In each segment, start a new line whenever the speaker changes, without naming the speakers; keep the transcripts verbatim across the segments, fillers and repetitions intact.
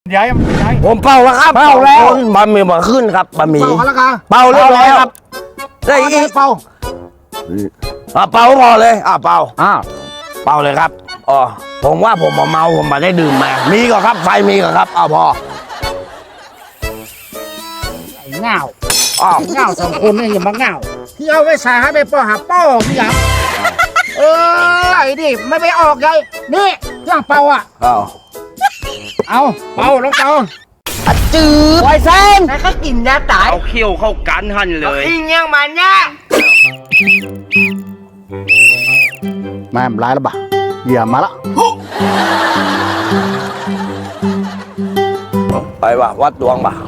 ใหญ่ใหญ่
ผมเป่าแล้วครับเป่าแล้วบะหมี่มาขึ้นครับบะหมี่
เป่าแล้วกัน
เป่าเรียบร้อยครับได้อีก
เป่า
อ่ะเป่าพอเลยอ่ะเป่า
อ้าว
เป่าเลยครับอ๋อผมว่าผมมาเมาผมมาได้ดื่มมามีก็ครับไฟมีก็ครับเอาพอ
ไอ้เงาอ้าวเงาสองคนนี่อย่ามาเงาที่เอาไว้ใส่ให้ไปป้อหาป้อพี่ยังเออไอ้ดิไม่ไปออกไงนี่เครื่องเป่าอ่ะ
เอา
เอาเป่าลงเป่า
จืด
ไวเซนแล้วก็กินยาตาย
เอาเขี้ยวเข้ากันหันเลย
อิงยังมันเนี่ยแม่ร้ายแล้วบ่ะเหยียบมาละ
ไปว่ะวัดดวงบ่ะ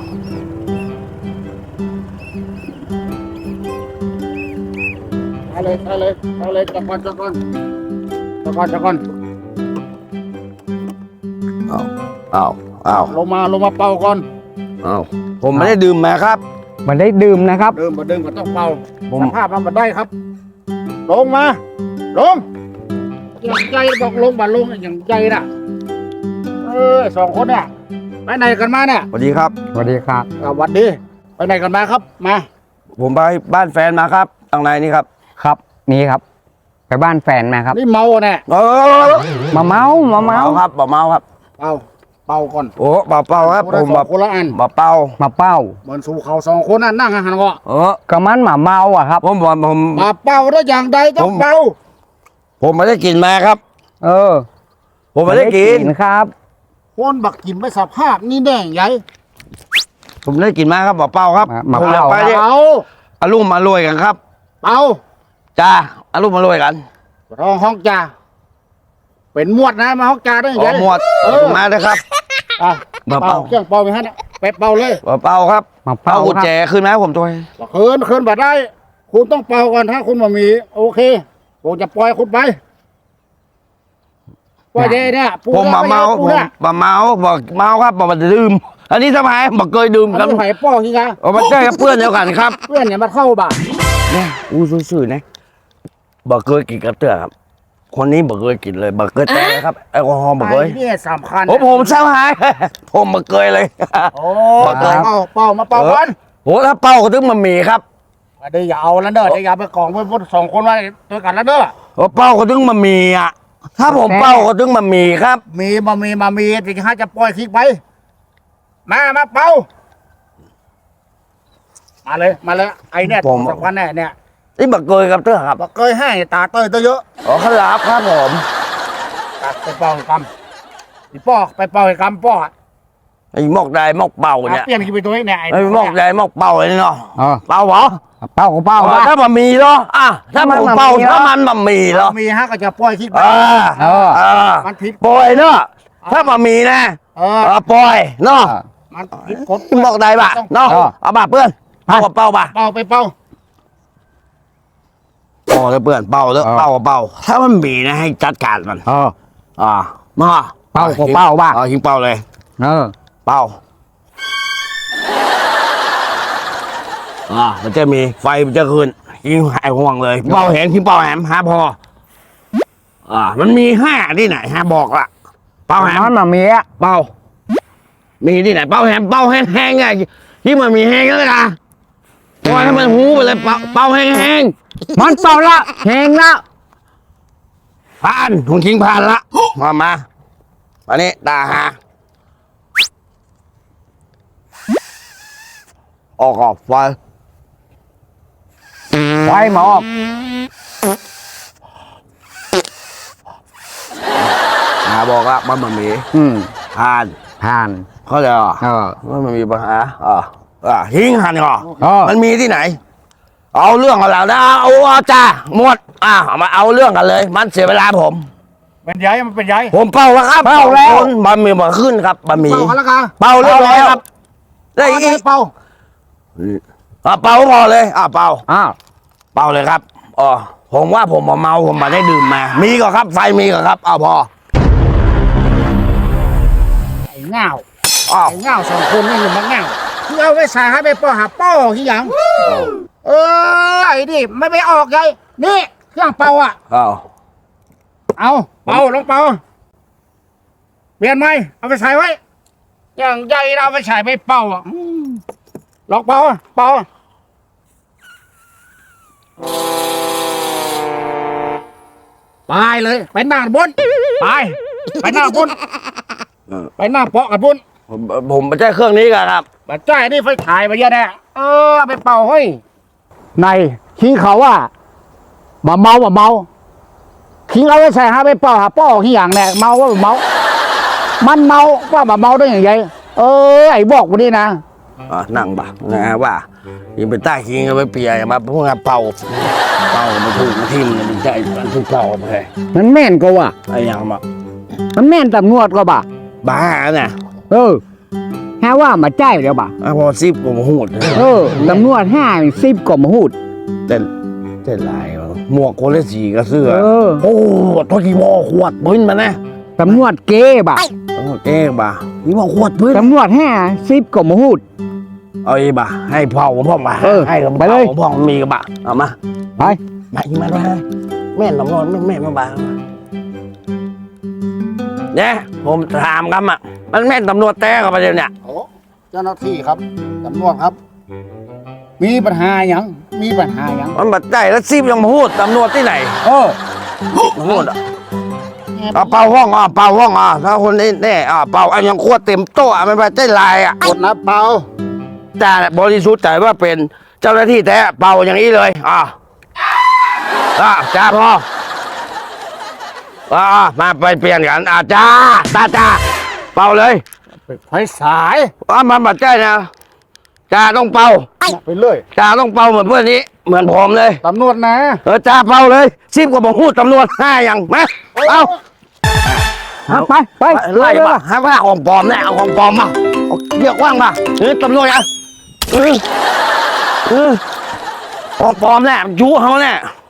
ไปเลยไปเลยไปเลยจับก่อนจับก่อนจับก่อนจับก่อน
เอาเอาเอา
ลงมาลงมาเป่าก่อน
เอาผมไม่ได้ดื่มมาครับ
มันได้ดื่มนะครับ
ดื่มมาดื่มก็ต้องเป่าสภาพมันมาได้ครับลงมาลงอย่างใจบอกลงบ่ลงอย่างใจน่ะเออสองคนเนี่ยไปไหนกันมาเนี่ย
สวัสดีครับ
สวัสดีครับ
สวัสดีไปไหนกันมาครับมา
ผมไปบ้านแฟนมาครับทางในนี่ครับ
ครับนี่ครับไปบ้านแฟนมาครับ
นี่เมาเนี่ย
เออ
มาเมามาเมา
ครับมาเมาครับ
เป่าเป่าก่อน
โอ้เป่าเป่าครับผมแบบ
คนละอัน
มาเป่า
มาเป่า
เหมือนสู่เขาสองคนนั่นนั่งหันก็
เออก
ระมันหมาเมาอ่ะครับ
ผมผมผม
มาเป่าได้อย่างใดต้องเป่า
ผมไม่ได้กินมาครับ
เออ
ผมไม่ได้กิน
ครับ
คนบักกินไม่สภาพนี่แดงใหญ่
ผมได้กินมาครับมาเป่าครับ
มาเป่า
ไปดิ
เอา
อารมณ์มาลอยกันครับ
เป่า
จ้าอารมณ์มาลอยกัน
ห้องห้องจ่าเป็นมวดนะมาห้องจ่าได้ยังไง
มวดมาเลยครับ
อ่ะมาเป่าเครื่องเป่าไปฮะไปเป่าเลย
มาเป่าครับ
มาเป่า
กุญแจขึ้นไหมผมตัว
เคินเคินบัดได้คุณต้องเป่าก่อนถ้าคุณมามีโอเคผมจะปล่อยคุณไปว่าเจเนี่ย
ผมมาเมาผมมาเมาบอกเมาครับบอกมาดื่มอันนี้ทำไมบอกเคยดื่มกัน
ไผ่ป้อที่ไง
โอ้มาเจอเพื่อนเดียวกันครับ
เพื่อนเนี่ยมาเข้าบ่า
เนี่ยอู้ซื่อๆนะบอกเคยกินกระเตื้อครับคนนี้บอกเคยกินเลยบอกเคยแต่ครับแอลกอฮอล์บอกเคย
นี่สำคัญ
โอ้ผมเศร้าหายผมบอกเคยเลย
โอ้เป่าเป่ามาเป่ากัน
โอ้ถ้าเป่าก็ต้องมามีครับ
เดี๋ยวอย่าเอาแล้วเด้อเดี๋ยวอย่าไปกองไว้พวกสองคนไว้ตัวกันแล้วเด้อ
โอ้เป่าก็ต้องมามีอ่ะถ้าผมเป่าก็ต้องมามีครับ
มีมามีมามีจริงๆจะปล่อยทิ้งไปมามาเป่ามาเลยมาเลยไอเนี่ยสักวันแน่เนี่ย
นี่บักเกยกับเตื้อครับ
บักเกยให้ตาเตยเตยเยอะ
อ๋อขลับครับผม
ไปเป่ากำไปป้อไปเป่าให้กำป้อ
ไอ้หมอกใดหมอกเป่าเนี่ย
เปลี่ยนกี่ไปตัวเนี่ย
ไอ้หมอกใดหมอกเป่าเลยเนาะเป่าเหรอ
เป่าก็เป่า
ถ้ามันมีเหรออ่ะถ้ามันเป่าถ้ามันมันมีเหรอ
มีฮะก็จะปล่อยทิ้งไป
เออเออ
มันผิด
ปล่อยเนาะถ้ามันมีนะเออปล่อยเนาะ
มันผิดกฎ
หมอกใดบ่ะเนาะเอาบ่ะเพื่อนเป่าเป่าบ่ะ
เป่าไปเป่า
เป่าเลยเพื่อนเป่าเลยเป่าเป่าถ้ามันมีนะให้จัดการมัน
เออ
อ่ามา
เป่าก็เป่าบ้า
เอาทิ้งเป่าเลย
เออ
เป่าอ่ามันจะมีไฟมันจะขึ้นยิงหายห่วงเลยเป่าแหงทิ้งเป่าแหมหาพออ่ามันมีห้าที่ไหนฮะบอกละเป่าแหม
มันมามีอ่ะ
เป่ามีที่ไหนเป่าแหมเป่าแห้งๆไงที่มันมีแห้งแล้วนะปล่อยให้มันหูไปเลยเป่าเป่าแห้ง
ๆมันเป่าละแห้งละ
ผ่านผมทิ้งผ่านละมามาอันนี้ตาหาออกออกไฟ
ไฟมาออก
หาบอกละมันมันมี
อืม
ผ่าน
ผ่าน
เขาจะ
เออ
ว่ามันมีปัญหาอ่าอ่าทิ้งหันก่อนมันมีที่ไหนเอาเรื่องกับเรานะเอาเอาจ้าหมดอ่ามาเอาเรื่องกันเลยมันเสียเวลาผม
เป็นใหญ่มันเป็นใหญ่
ผมเป่าแล้วครับ
เป่าแล้ว
บะหมี่มาขึ้นครับบะหมี่
เป่าแล้วกัน
เป่าเรียบร้อยครับได้อีก
เป่า
อ่ะเป่าพอเลยอ่ะเป่า
อ้าว
เป่าเลยครับอ๋อผมว่าผมมาเมาผมมาได้ดื่มมามีก็ครับไฟมีก็ครับเอาพอ
ไอ้เงาไอ้เงาสองคนนี่อย่ามาเงาที่เอาไว้ใส่ให้ไปป้อหาป้อที่ยังเออไอ้ดิไม่ไปออกไงนี่เครื่องเป่าอ่ะ
เอา
เอาเป่าลงเป่าเปลี่ยนไหมเอาไปใส่ไว้อย่างใจเราไปฉายไปเป่าอ่ะอืมลองเป่าอ่ะเป่าอ่ะไปเลยไปหน้าบนไปไปหน้าบนไปหน้าเปาะกันบน
ผมผมไม่ใช่เครื่องนี้กันครับ
บัดใจนี่ไฟฉายไปเยอะแน่เออเอาไปเป่าเฮ้ย
ในคิงเขาว่าบ่เมาบ่เมาคิงเอาไว้ใส่หาไปเป่าหาป้อขี้อย่างแน่เมาว่าบ่เมา มันเมาว่าบ่เมาได้อย่างไรเออไอ้บอกวันนี้นะ
อ่ะนั่งบ่านะฮะว่ายิงไปใต้คิงเอาไปเปียกมาพวกนั้นเป่าเป่ามาถูกมาทิ่มมันใจมันถูกเป่าไปเลย
มันแม่นก็ว่า
ไอ้ยังมา
มันแม่นตำรวจก็บ่า
บ้าเนี่ย
เออแค่ว่ามาใจเดี๋ยวบ่า
อ่ะพอซิบผมหูด
เออตำรวจห้าสิบกว่ามาหูด
แต่แต่ลายว่ะหมวกคนละสีกับเสื้อ
เออ
โอ้ตัวกี่บอขวดปืนมานะ
ตำรวจเก้บ่า
โอ้เจ๊บ่านี่บอกขวดปืน
ตำรวจห้าสิบกว่ามาหูด
เอาอีบ่าให้พ่อผมพ่อมา
เออ
ให้กับ
ไปเลย
พ่อผมมีกับบ่าเอามา
ไป
ไปมามาแม่นตำรวจแม่นแม่นมาบ่าเนี่ยผมถามคำอ่ะมันแม่นตำรวจแต้กับประเด็นเนี่ย
โอ้เจ้าหน้าที่ครับตำรวจครับ มีปัญหาอย่างมีปัญหาอย่าง
มันบัดได้แล้วซิบยังมาพูดตำรวจที่ไหน
เออ
มาพูดอ่ะเอาเป่าห้องอ่ะเป่าห้องอ่ะถ้าคนนี้แน่อ่ะเป่าอันยังขวดเต็มโต๊ะอ่ะมันไปได้ลายอ่ะ
กดนะเป่า
แต่บริสุทธิ์ใจว่าเป็นเจ้าหน้าที่แท้เป่าอย่างนี้เลยอ่ะอ่ะจ้าพ่ออ่ะมาไปเปลี่ยนกันอ่ะจ้าตาจ้าเป่าเลย
ไฟสาย
อ่ะมันบัดใจนะจ้าต้องเป่า
ไปเลย
จ้าต้องเป่าเหมือนเพื่อนนี้เหมือนผมเลย
ตำรวจนะ
เออจ้าเป่าเลยซิบกว่าบอกพูดตำรวจห้าอย่างมาเอา
เอาไปไป
ไล่
เลย
ป่ะให้ว่าของปลอมแน่เอาของปลอมมาเอาเรียกว่างป่ะเออตำรวจอ่ะเออเออของปลอมแน่ยุเขาแน่